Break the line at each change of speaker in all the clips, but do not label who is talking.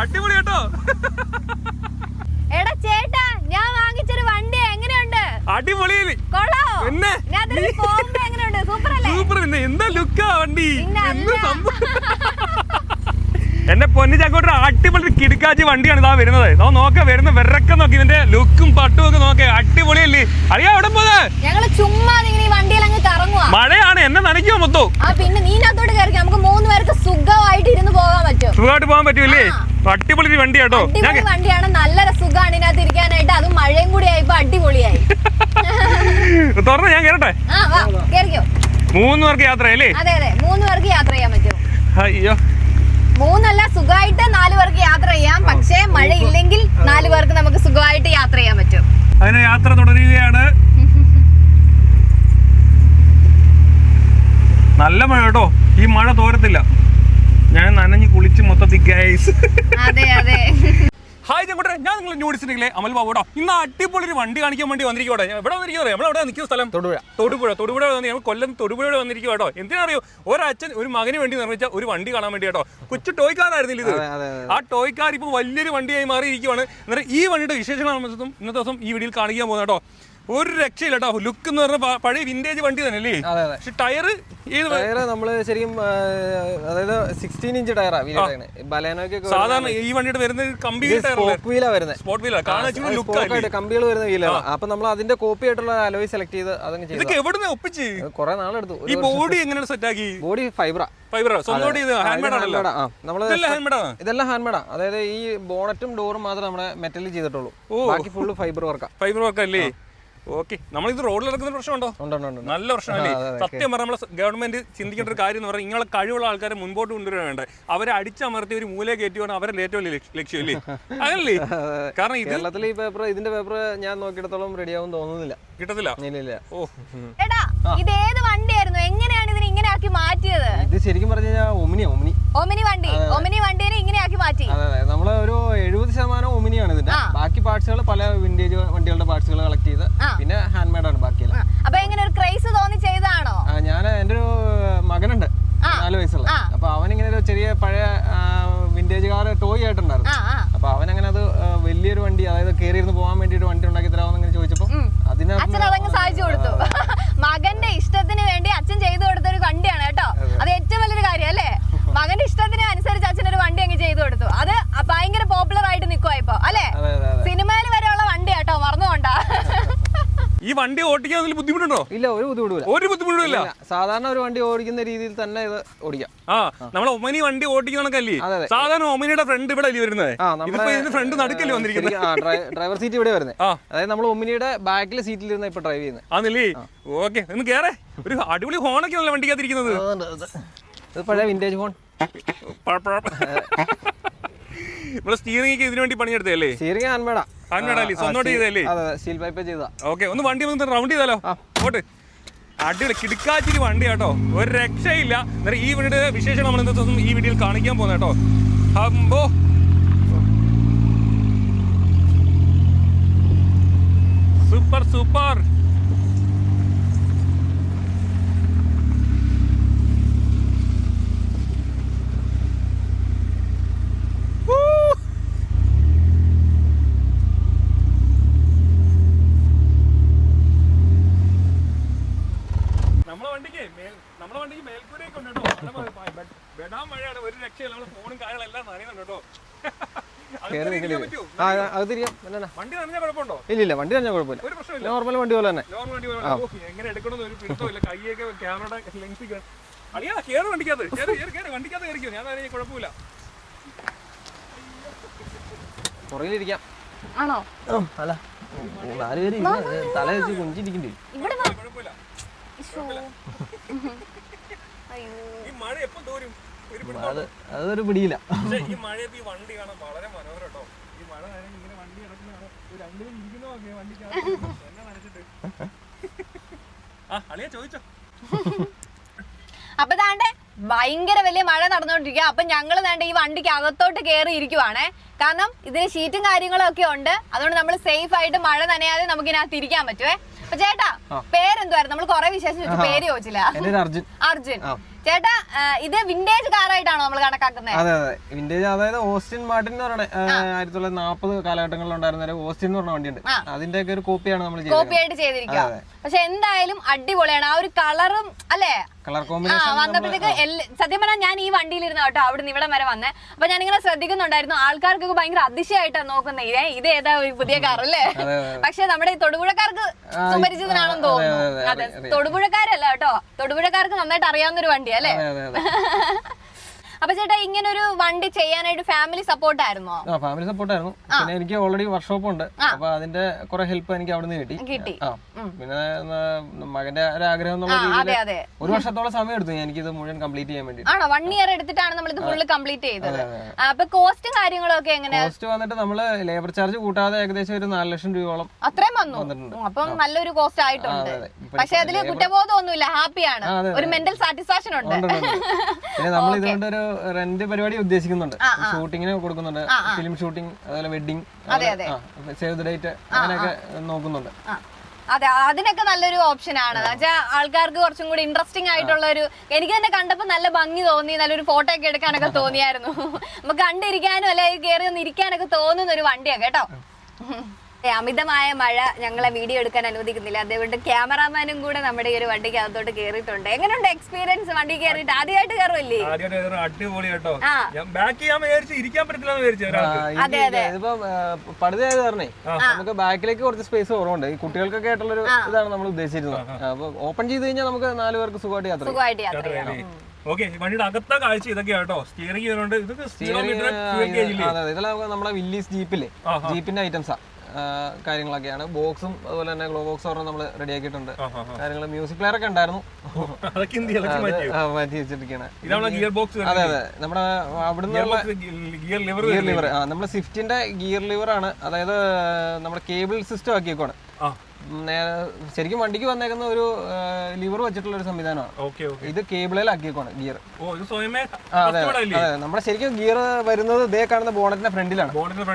അടിപൊളി കേട്ടോ.
എടാ ചേട്ടാ, ഞാൻ വാങ്ങിച്ചൊരു വണ്ടി എങ്ങനെയുണ്ട്?
അടിപൊളി.
പിന്നെ സൂപ്പർ അല്ലേ?
സൂപ്പർ. പിന്നെ എന്താ ലുക്കാ വണ്ടി. എന്റെ പൊന്നു ചാക്കോട്ട് അടിപൊളി കിടക്കാച്ചി വണ്ടിയാണ് ഇതാ വരുന്നത്. നോക്ക വരുന്ന വിറക്കം നോക്കി, ഇതിന്റെ ലുക്കും പട്ടും ഒക്കെ നോക്കേ, അടിപൊളിയല്ലേ. അറിയാ എവിടെ പോകാ?
ഞങ്ങള് ചുമ്മാ ഈ വണ്ടിയിൽ അങ്ങ് കറങ്ങുവാ.
മഴയാണ്, എന്നെ നനയ്ക്കുമോ മൊത്തം?
പിന്നെ നീനകത്തോട്ട് കയറി നമുക്ക് 3 പേർക്ക് സുഖമായിട്ട് ഇരുന്ന് പോകാൻ പറ്റും.
സുഖമായിട്ട് പോകാൻ പറ്റൂല്ലേ? അടിപൊളി വണ്ടി കേട്ടോ.
വണ്ടിയാണ്, നല്ല സുഖമാണ് ഇതിനകത്ത് ഇരിക്കാനായിട്ട്. അതും മഴയും കൂടി ആയപ്പോ അടിപൊളിയായി.
തുറന്ന് ഞാൻ കേറട്ടെ? 3 പേർക്ക് യാത്രയല്ലേ?
അതെ അതെ, 3 പേർക്ക് യാത്ര ചെയ്യാൻ പറ്റും.
അയ്യോ,
3 അല്ല, സുഖമായിട്ട് 4 പേർക്ക് യാത്ര ചെയ്യാം. പക്ഷേ മഴ ഇല്ലെങ്കിൽ 4 പേർക്ക് നമുക്ക് സുഖമായിട്ട് യാത്ര ചെയ്യാൻ പറ്റും.
അതിന് യാത്ര തുടരുകയാണ്. നല്ല മഴ കേട്ടോ, ഈ മഴ തോരത്തില്ല. ഞാൻ നനഞ്ഞ് കുളിച്ച് മൊത്തത്തിൽ ഗൈസ്.
അതെ അതെ.
ഹായ് ചങ്ങോട്ടെ, ഞാൻ നിങ്ങൾ നോടിച്ചിട്ടുണ്ടെങ്കിലേ അമൽ ബാബുടോ ഇന്ന് അടിപൊളി ഒരു വണ്ടി കാണിക്കാൻ വേണ്ടി വന്നിരിക്കോട്ടെ. എവിടെ വന്നിരിക്കുന്നത്? നമ്മളെവിടെ നിൽക്കുന്ന സ്ഥലം? തൊടുപുഴ ഞങ്ങൾ കൊല്ലം തൊടുപുഴ വന്നിരിക്കുക കേട്ടോ. എന്തിനറിയോ, ഒരച്ഛൻ ഒരു മകന് വേണ്ടി നിർമ്മിച്ച ഒരു വണ്ടി കാണാൻ വേണ്ടി കേട്ടോ. കൊച്ചു ടോയ് കാറായിരുന്നില്ല ഇത്. ആ ടോയ് കാർ ഇപ്പോൾ വലിയൊരു വണ്ടിയായി മാറിയിരിക്കുവാണ്. എന്നിട്ട് ഈ വണ്ടിയുടെ വിശേഷങ്ങളാണ് ഇന്നത്തെ ദിവസം ഈ വീഡിയോയിൽ കാണിക്കാൻ പോകുന്നത് കേട്ടോ. ഒരു രക്ഷയില്ല കേട്ടോ. ലുക്ക് എന്ന് പറഞ്ഞ പഴയ വിന്റേജ് വണ്ടി തന്നെ അല്ലേ? പക്ഷെ ടയറ്
നമ്മള് ശരിക്കും അതായത് 16 ഇഞ്ച് ടയറാണ്
സാധാരണ ഈ വണ്ടിയുടെ വരുന്നത്.
കമ്പികൾ വരുന്ന വീലാണ്. അപ്പൊ നമ്മൾ അതിന്റെ കോപ്പി ആയിട്ടുള്ള അലോയ് സെലക്ട് ചെയ്ത് അതങ്ങ് ചെയ്തു.
എവിടെ ഒപ്പിച്ച്
കുറെ നാളെടുത്തു.
ഈ ബോഡി എങ്ങനെ സെറ്റ് ആക്കി?
ബോഡി ഫൈബറാ. ഇതെല്ലാം ഹാൻഡ്മേഡാ. അതായത് ഈ ബോണറ്റും ഡോറും മാത്രമേ നമ്മുടെ മെറ്റലിൽ ചെയ്തിട്ടുള്ളൂ. ബാക്കി ഫുള്ള് ഫൈബർ
വർക്ക് അല്ലേ? ഓക്കെ, നമ്മളിത് റോഡിൽ ഇറക്കുന്ന പ്രശ്നമുണ്ടോ? നല്ല പ്രശ്നമല്ലേ? സത്യം പറഞ്ഞാൽ നമ്മളെ ഗവൺമെന്റ് ചിന്തിക്കേണ്ട ഒരു കാര്യം എന്ന് പറഞ്ഞാൽ ഇങ്ങനെ കഴിവുള്ള ആൾക്കാരെ മുൻപോട്ട് കൊണ്ടുവരാൻ വേണ്ട. അവരെ അടിച്ചമർത്തി ഒരു മൂലയെ കയറ്റിയാണ് അവരുടെ ഏറ്റവും വലിയ ലക്ഷ്യമല്ലേ? അങ്ങനല്ലേ? കാരണം
കേരളത്തിൽ ഈ പേപ്പർ, ഇതിന്റെ പേപ്പർ ഞാൻ നോക്കിയിടത്തോളം റെഡിയാവും തോന്നുന്നില്ല.
കിട്ടത്തില്ല.
ഇത് ഏത് വണ്ടിയായിരുന്നു? എങ്ങനെയാണ് ഇതിനെ ഇങ്ങനെ ആക്കി മാറ്റിയത്?
ഇത് ശരിക്കും പറഞ്ഞു കഴിഞ്ഞാൽ
ഒമിനി വണ്ടിയെ ഇങ്ങനെ ആക്കി മാറ്റി.
അതെ, നമ്മള് ഒരു 70% ഒമിനിയാണ് ഇതിന്റെ. ബാക്കി പാർട്സുകൾ പല വിന്റേജ് വണ്ടികളുടെ പാർട്സുകൾ കളക്ട് ചെയ്ത് പിന്നെ ഹാൻഡ് മെയ്ഡ് ആണ് ബാക്കിയെല്ലാം.
അപ്പൊ എങ്ങനെ ഒരു ക്രൈസ് തോന്നി ചെയ്താണോ?
ഞാൻ എന്റെ ഒരു മകനുണ്ട് 4 വയസ്സുള്ള. അപ്പൊ അവനിങ്ങനെ ഒരു ചെറിയ പഴയ വിന്റേജ് കാർ ടോയ് ആയിട്ടുണ്ടായിരുന്നു. അപ്പൊ അവനങ്ങനെ അത് വലിയൊരു വണ്ടി, അതായത് കയറിയിരുന്ന് പോകാൻ വേണ്ടിട്ട് വണ്ടി ഉണ്ടാക്കി തരാമെന്ന് ചോദിച്ചപ്പോ
അച്ഛൻ അതങ്ങ് സാധിച്ചു കൊടുത്തു. മകന്റെ ഇഷ്ടത്തിന് വേണ്ടി അച്ഛൻ ചെയ്തു കൊടുത്ത ഒരു വണ്ടിയാണ് കേട്ടോ. അത് ഏറ്റവും വലിയൊരു കാര്യം അല്ലേ? മകന്റെ ഇഷ്ടത്തിന് അനുസരിച്ച് അച്ഛനൊരു വണ്ടി അങ്ങ് ചെയ്തു കൊടുത്തു. അത് ഭയങ്കര പോപ്പുലർ ആയിട്ട് നിൽക്കുവാ ഇപ്പൊ അല്ലെ? സിനിമയിൽ വരെയുള്ള വണ്ടി കേട്ടോ, മറന്നുകൊണ്ടാ.
ഈ വണ്ടി ഓടിക്കാൻ ബുദ്ധിമുട്ടുണ്ടോ?
ഇല്ല, ഒരു ബുദ്ധിമുട്ടില്ല. സാധാരണ ഒരു വണ്ടി ഓടിക്കുന്ന രീതിയിൽ തന്നെ ഇത് ഓടിക്കാം.
നമ്മൾ ഒമിനി വണ്ടി ഓടിക്കുന്ന കണക്കല്ലേ? സാധാരണ ഒമിനിയുടെ ഫ്രണ്ട് ഇവിടെ വരുന്നത്. ഫ്രണ്ട് നടുക്കല്ലേ വന്നിരിക്കുന്നത്?
ഡ്രൈവർ സീറ്റ് ഇവിടെ വരുന്നത്. അതായത് നമ്മൾ ഒമിനിയുടെ ബാക്കിലെ സീറ്റിൽ ഇരുന്ന് ഇപ്പൊ ഡ്രൈവ് ചെയ്യുന്നത്.
ആണല്ലേ? ഓക്കെ, ഒന്ന് കേറേ. ഒരു അടിപൊളി ഹോണൊക്കെ ആണല്ലോ വണ്ടിക്കകത്തിരിക്കുന്നത്.
ഇത് പഴയ വിന്റേജ് ഹോൺ.
നമ്മള് സ്റ്റിയറിംഗ് ഇതിനു വേണ്ടി പണിയെടുത്തല്ലേ?
സ്റ്റിയറിംഗ് ഹാൻഡ്മേഡാ.
സ്വന്തമായിട്ട് ചെയ്തല്ലേ?
സ്റ്റീൽ പൈപ്പ് ചെയ്താ.
ഓക്കെ, ഒന്ന് വണ്ടി റൗണ്ട് ചെയ്താലോ? ഓട്ട്. അടിപൊളി കിടക്കാച്ചിരി വണ്ടി കേട്ടോ, ഒരു രക്ഷയില്ല. ഈ വണ്ടിയുടെ വിശേഷം നമ്മൾ ഇന്നത്തെ ദിവസം ഈ വീഡിയോയിൽ കാണിക്കാൻ പോകുന്ന കേട്ടോ. അമ്പോ, സൂപ്പർ. നമ്മുടെ വണ്ടിക്ക് മേൽക്കൂരയൊക്കെ ഉണ്ട് കേട്ടോ. ബെടാൻ മഴയാണ്, ഒരു രക്ഷയില്ല. നമ്മള് ഫോണും കാര്യങ്ങളെല്ലാം നനയുന്നുണ്ട് കേട്ടോ. വണ്ടി നനഞ്ഞ കുഴപ്പമുണ്ടോ?
ഇല്ല, വണ്ടി നനഞ്ഞ കുഴപ്പമില്ല.
ഒരു പ്രശ്നമില്ല.
നോർമൽ വണ്ടി പോലെ തന്നെ.
എങ്ങനെ എടുക്കണമെന്ന് ഒരു പിടുത്തമില്ല. കൈയൊക്കെ ക്യാമറയുടെ ലെങ്ത് അളിയാ, കേറ് വണ്ടിക്കകത്ത്. വണ്ടിക്കകത്ത് കയറിക്കോ, ഞാൻ കുഴപ്പമില്ല.
പുറകിലിരിക്കാം.
ആണോ?
അല്ല, 4 പേര് തല വെച്ച് കുഞ്ചിരിക്കണ്ടേ?
കുഴപ്പമില്ല. ഈ മഴ എപ്പം തോരും?
അതൊരു പിടിയില്ല.
ഈ മഴയത്ത് ഈ വണ്ടി കാണാൻ വളരെ മനോഹരം കേട്ടോ. ഈ മഴ നനഞ്ഞ് ഇങ്ങനെ വണ്ടി കിടക്കുന്നതാണ്. രണ്ടിലും ഇരിക്കുന്നതൊക്കെ വണ്ടിക്കകത്ത് എന്നെ നനച്ചിട്ട്. അളിയാ ചോദിച്ചോ.
അപ്പൊ താണ്ടെ ഭയങ്കര വലിയ മഴ നടന്നുകൊണ്ടിരിക്കുക. അപ്പൊ ഞങ്ങൾ താണ്ടെ ഈ വണ്ടിക്ക് അകത്തോട്ട് കയറി ഇരിക്കുവാണേ. കാരണം ഇതിന് ഷീറ്റും കാര്യങ്ങളും ഒക്കെ ഉണ്ട്. അതുകൊണ്ട് നമ്മൾ സേഫ് ആയിട്ട് മഴ നനയാതെ നമുക്ക് ഇതിനകത്ത് ഇരിക്കാൻ പറ്റുവേ. അപ്പൊ ചേട്ടാ, പേരെന്തുവായിരുന്നു? നമ്മൾ കുറെ വിശേഷം ചോദിച്ചു, പേര് ചോദിച്ചില്ല. അർജുൻ. ചേട്ടാ, ഇത് വിന്റേജ് കാറായിട്ടാണോ നമ്മൾ കണക്കാക്കുന്നത്?
അതെ അതെ, വിന്റേജ്. അതായത് ഓസ്റ്റിൻ മാർട്ടിൻ എന്ന് പറയുന്നത് 1940 കാലഘട്ടങ്ങളിൽ ഉണ്ടായിരുന്ന ഒരു ഓസ്റ്റിൻ എന്ന് പറഞ്ഞ വണ്ടിയുണ്ട്. അതിന്റെ ഒക്കെ ഒരു കോപ്പിയാണ് നമ്മൾ
കോപ്പിയായിട്ട് ചെയ്തിരിക്കുക. പക്ഷെ എന്തായാലും അടിപൊളിയാണ്. ആ ഒരു കളറും അല്ലേ,
കളർ കോമ്പിനേഷൻ
വന്നപ്പോഴത്തേക്ക് സത്യം പറഞ്ഞാൽ ഞാൻ ഈ വണ്ടിയിലിരുന്ന കേട്ടോ അവിടെ നിന്ന് ഇവിടെ വരെ വന്നേ. അപ്പൊ ഞാനിങ്ങനെ ശ്രദ്ധിക്കുന്നുണ്ടായിരുന്നു, ആൾക്കാർക്കൊക്കെ ഭയങ്കര അതിശയമായിട്ടാണ് നോക്കുന്നത്, ഇത് ഏതാ ഒരു പുതിയ കാർ അല്ലേ. പക്ഷെ നമ്മുടെ ഈ തൊടുപുഴക്കാർക്ക് സുപരിചിതനാണെന്ന് തോന്നുന്നു. അതെ, തൊടുപുഴക്കാരല്ല കേട്ടോ, തൊടുപുഴക്കാർക്ക് നന്നായിട്ട് അറിയാവുന്ന ഒരു വണ്ടി അല്ലേ. അപ്പൊ ചേട്ടാ, ഇങ്ങനെ ഒരു വണ്ടി ചെയ്യാനായിട്ട് ഫാമിലി സപ്പോർട്ട് ആയിരുന്നോ?
ഫാമിലി സപ്പോർട്ട് ആയിരുന്നു. പിന്നെ എനിക്ക് ഓൾറെഡി വർക്ക്ഷോപ്പ് ഉണ്ട്, അപ്പൊ അതിന്റെ കുറെ ഹെൽപ്പ് എനിക്ക് അവിടെ നിന്ന് കിട്ടി. പിന്നെ മകന്റെ ഒരു ആഗ്രഹം എന്നുള്ള രീതിയിൽ ഒരു വർഷത്തോളം സമയം എടുത്തു എനിക്ക് ഇത് മുഴുവൻ കംപ്ലീറ്റ് ചെയ്യാൻ വേണ്ടി.
ആണോ, 1 ഇയർ എടുത്തിട്ടാണ് നമ്മൾ ഇത് ഫുള്ള് കംപ്ലീറ്റ് ചെയ്തത്. അപ്പൊ കോസ്റ്റും കാര്യങ്ങളൊക്കെ എങ്ങനെയാ?
കോസ്റ്റ് വന്നിട്ട് നമ്മള് ലേബർ ചാർജ് കൂട്ടാതെ ഏകദേശം ഒരു 4 ലക്ഷം രൂപയോളം
അത്രയും വന്നു. അപ്പം നല്ലൊരു കോസ്റ്റ് ആയിട്ടുണ്ട്. പക്ഷെ അതില് കുറ്റബോധം ഒന്നുമില്ല, ഹാപ്പിയാണ്, ഒരു മെന്റൽ സാറ്റിസ്ഫാക്ഷൻ ഉണ്ട്.
പിന്നെ നമ്മൾ ഇതുകൊണ്ട് ഒരു റെന്റ് പരിപാടി ഉദ്ദേശിക്കുന്നുണ്ട്, ഷൂട്ടിങ്ങിന് കൊടുക്കുന്നുണ്ട്, ഫിലിം ഷൂട്ടിംഗ്, അതുപോലെ വെഡിങ്, സേവ് ദ ഡേറ്റ്, അങ്ങനെയൊക്കെ നോക്കുന്നുണ്ട്.
അതെ, അതിനൊക്കെ നല്ലൊരു ഓപ്ഷൻ ആണ്. ആൾക്കാർക്ക് കുറച്ചും കൂടി ഇൻട്രസ്റ്റിംഗ് ആയിട്ടുള്ള ഒരു, എനിക്ക് തന്നെ കണ്ടപ്പോ നല്ല ഭംഗി തോന്നി, നല്ലൊരു ഫോട്ടോ ഒക്കെ എടുക്കാനൊക്കെ തോന്നിയായിരുന്നു. നമുക്ക് കണ്ടിരിക്കാനും അല്ലെങ്കിൽ കയറി ഒന്ന് ഇരിക്കാനൊക്കെ തോന്നുന്ന ഒരു വണ്ടിയാണ് കേട്ടോ. അമിതമായ മഴ ഞങ്ങളെ വീഡിയോ എടുക്കാൻ അനുവദിക്കുന്നില്ല, അതുകൊണ്ട് ക്യാമറാമാനും കൂടെ നമ്മുടെ ഈ ഒരു വണ്ടിക്ക് അകത്തോട്ട് കേറിയിട്ടുണ്ട്. എങ്ങനെയുണ്ട് എക്സ്പീരിയൻസ് വണ്ടി കയറിയിട്ട്? ആദ്യമായിട്ട് കയറുമല്ലേ?
അടിപൊളി കേട്ടോ. ഇരിക്കാൻ പറ്റില്ല.
അതെ അതെ,
പടുതയായത് കാരണേ നമുക്ക് ബാക്കിലേക്ക് കുറച്ച് സ്പേസ് കുറവുണ്ട്. ഈ കുട്ടികൾക്കൊക്കെ ആയിട്ടുള്ള ഒരു ഇതാണ് നമ്മൾ ഉദ്ദേശിച്ചിരുന്നത്. അപ്പൊ ഓപ്പൺ ചെയ്ത് കഴിഞ്ഞാൽ നമുക്ക് 4 പേർക്ക് സുഖമായിട്ട് യാത്ര ചെയ്യാം.
ഓക്കെ, വണ്ടിയുടെ അകത്ത കാഴ്ച ഇതൊക്കെ കേട്ടോ. സ്റ്റിയറിംഗ്
ഇതെല്ലാം നമ്മുടെ വില്ലീസ് ജീപ്പിന്റെ ഐറ്റംസാ, കാര്യങ്ങളൊക്കെയാണ്. ബോക്സും അതുപോലെ തന്നെ ഗ്ലോ ബോക്സ് ഒരെണ്ണം നമ്മൾ റെഡി ആക്കിയിട്ടുണ്ട്. കാര്യങ്ങൾ മ്യൂസിക് പ്ലെയർ ഒക്കെ ഉണ്ടായിരുന്നു, മാറ്റി വെച്ചിരിക്കുകയാണ്. അതെ അതെ, നമ്മുടെ അവിടുന്ന് ഗിയർ ലിവർ, നമ്മുടെ സ്വിഫ്റ്റിന്റെ ഗിയർ ലിവർ ആണ്. അതായത് നമ്മുടെ കേബിൾ സിസ്റ്റം ആക്കിയേക്കാണ്. ശരിക്കും വണ്ടിക്ക് വന്നേക്കുന്ന ഒരു ലിവർ വെച്ചിട്ടുള്ള ഒരു സംവിധാനമാണ്. ഇത് കേബിളിലാക്കിയേക്കാണ് ഗിയർ. അതെ അതെ, നമ്മുടെ ശരിക്കും ഗിയർ വരുന്നത് ഇതേ കാണുന്ന ബോണറ്റിന്റെ ഫ്രണ്ടിലാണ്.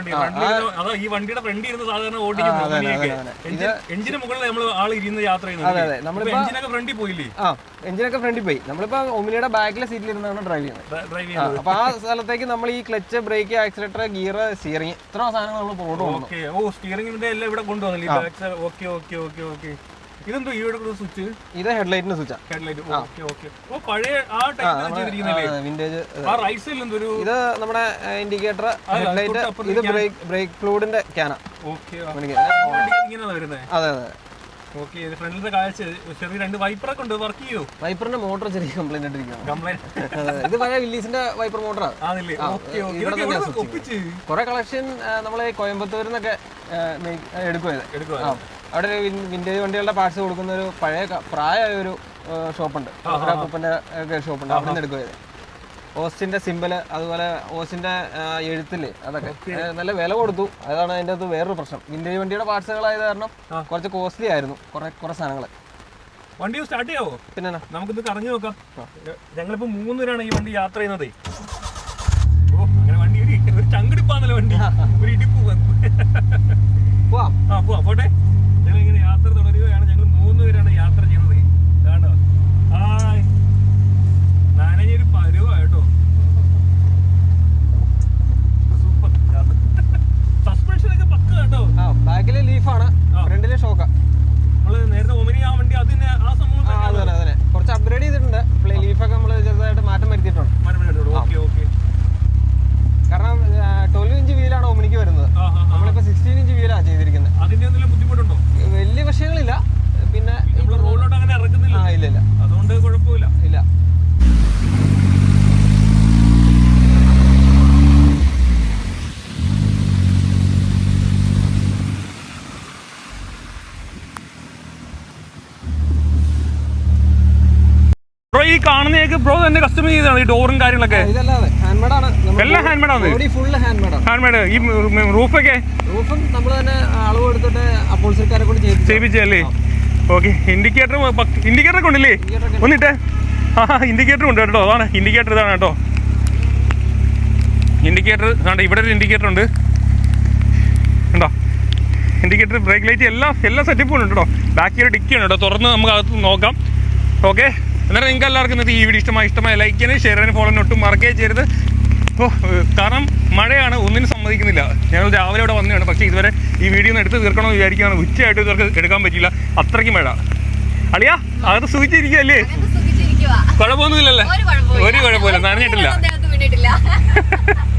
എഞ്ചിനൊക്കെ ഫ്രണ്ടിൽ പോയി. നമ്മളിപ്പോ ഒമിനിയുടെ ബാക്കിലെ സീറ്റിൽ ഇരുന്നാണ് ഡ്രൈവ് ചെയ്യുന്നത്. അപ്പൊ ആ സ്ഥലത്തേക്ക് നമ്മൾ ഈ clutch, brake, accelerator, gear, steering, ഇത്ര സാധനങ്ങൾ നമ്മൾ ഇത് ഹെഡ്ലൈറ്റിന്റെ സ്വിച്ച്. ഇത് നമ്മുടെ ഇൻഡിക്കേറ്റർ, ഹെഡ്ലൈറ്റ്, ഇത് ബ്രേക്ക് ഫ്ലൂയിഡിന്റെ ക്യാന. അതെ അതെ, വൈപ്പറിന്റെ മോട്ടർ ചെറിയ കംപ്ലൈന്റ് ആയിട്ടിരിക്കുകയാണ്. ഇത് പഴയ വില്ലീസിന്റെ വൈപ്പർ മോട്ടറാണ്. കുറെ കളക്ഷൻ നമ്മളെ കോയമ്പത്തൂരിൽ നിന്നൊക്കെ എടുക്കുക. അവിടെ ഒരു വിന്റേജ് വണ്ടികളുടെ പാർട്സ് കൊടുക്കുന്ന ഒരു പഴയ പ്രായമായ ഒരു ഷോപ്പുണ്ട്, ഉപ്പന്റെ ഷോപ്പുണ്ട്. അവിടെ നിന്ന് എടുക്കുക. ഓസ്റ്റിന്റെ സിമ്പല്, അതുപോലെ ഓസ്റ്റിന്റെ എഴുത്തില്, അതൊക്കെ നല്ല വില കൊടുത്തു. അതാണ് അതിന്റെ അത് വേറൊരു പ്രശ്നം. വിന്റേജ് വണ്ടിയുടെ പാർട്സുകളായത് കാരണം കുറച്ച് കോസ്റ്റ്ലി ആയിരുന്നു കുറെ സാധനങ്ങൾ.
വണ്ടി സ്റ്റാർട്ട് ചെയ്യാവോ? പിന്നെ നമുക്കിത് കറങ്ങി നോക്കാം. ഞങ്ങളിപ്പോ 3 പേരാണ് ഈ വണ്ടി യാത്ര ചെയ്യുന്നത്. ഓ, അങ്ങനെ വണ്ടി ഒരു ചങ്കടിപ്പാന്നല്ലോ വണ്ടി, ഒരു ഇടിപ്പ്. പോട്ടെ, ഞങ്ങൾ ഇങ്ങനെ യാത്ര തുടരുകയാണ്. ഞങ്ങൾ 3 പേരാണ് യാത്ര ചെയ്യുന്നത്. കാണോ, നനഞ്ഞൊരു പരുവാട്ടോ. സൂപ്പർ. സസ്പെൻഷൻ ഒക്കെ പക്ക കേട്ടോ.
ബാക്കിലെ ലീഫാണ്, ഫ്രണ്ടിലെ ഷോക്കാ.
നമ്മള് നേരത്തെ ഒമിനി ആ വണ്ടി അതിന് ആ സംഭവം
കുറച്ച് അപ്ഗ്രേഡ് ചെയ്തിട്ടുണ്ട്. ലീഫൊക്കെ നമ്മൾ ചെറുതായിട്ട് മാറ്റം വരുത്തിയിട്ടുണ്ട്. കാരണം 12 ഇഞ്ച് വീലാണ് ഒമിനിക്ക് വരുന്നത്. നമ്മളിപ്പോ 16 ഇഞ്ച് വീലാണ് ചെയ്തിരിക്കുന്നത്.
അതിന്റെ എന്തെങ്കിലും ബുദ്ധിമുട്ടുണ്ടോ?
വലിയ വിഷയങ്ങളില്ല. പിന്നെ
റോഡിലോട്ട് അങ്ങനെ ഇറക്കുന്നില്ല.
ഇല്ല,
അതുകൊണ്ട് കുഴപ്പമില്ല.
ഇല്ല.
ഈ കാണുന്നതൊക്കെ ബ്രോ തന്നെ കസ്റ്റമൈസ് ചെയ്താണ്, ഈ ഡോറും കാര്യങ്ങളൊക്കെ? എല്ലാം ഹാൻഡ് മേഡ്. ഈ റൂഫൊക്കെ
നമ്മൾ തന്നെ അളവ് എടുത്തിട്ട് അപ്പോൾസറിക്കാരെ കൊണ്ട്
ചെയ്യിപ്പിച്ചല്ലേ? ഓക്കെ. ഇൻഡിക്കേറ്റർ ഒക്കെ ഉണ്ടല്ലേ? ഒന്നിട്ടേ. ഇൻഡിക്കേറ്റർ ഉണ്ട് കേട്ടോ. അതാണ് ഇൻഡിക്കേറ്റർ, ഇതാണ് കേട്ടോ ഇൻഡിക്കേറ്റർ. ഇവിടെ ഒരു ഇൻഡിക്കേറ്റർ ഉണ്ട്, ഉണ്ടോ? ഇൻഡിക്കേറ്റർ, ബ്രേക്ക് ലൈറ്റ് എല്ലാ സെറ്റപ്പും ഉണ്ട് കേട്ടോ. ബാക്കിയൊരു ഡിക്കിയാണ് കേട്ടോ, തുറന്ന് നമുക്ക് അകത്ത് നോക്കാം. ഓക്കെ, അന്നേരം നിങ്ങൾക്ക് എല്ലാവർക്കും ഇന്നത്തെ ഈ വീഡിയോ ഇഷ്ടമായ ലൈക്ക് ചെയ്യാനും ഷെയർ ചെയ്യാനും ഫോളോ ഒട്ടും മറക്കുകയും ചെയ്യരുത്. കാരണം മഴയാണ്, ഒന്നിനും സമ്മതിക്കുന്നില്ല. ഞങ്ങൾ രാവിലെ ഇവിടെ വന്നതാണ്, പക്ഷേ ഇതുവരെ ഈ വീഡിയോ ഒന്ന് എടുത്ത് തീർക്കണമെന്ന് വിചാരിക്കുകയാണ്. ഉച്ചയായിട്ട് ഇവർക്ക് എടുക്കാൻ പറ്റില്ല, അത്രയ്ക്ക് മഴ. അളിയാ അകത്ത് സൂചിച്ചിരിക്കുകയല്ലേ? കുഴപ്പമൊന്നുമില്ലല്ലേ? ഒരു കുഴപ്പമില്ല, നനഞ്ഞിട്ടില്ല.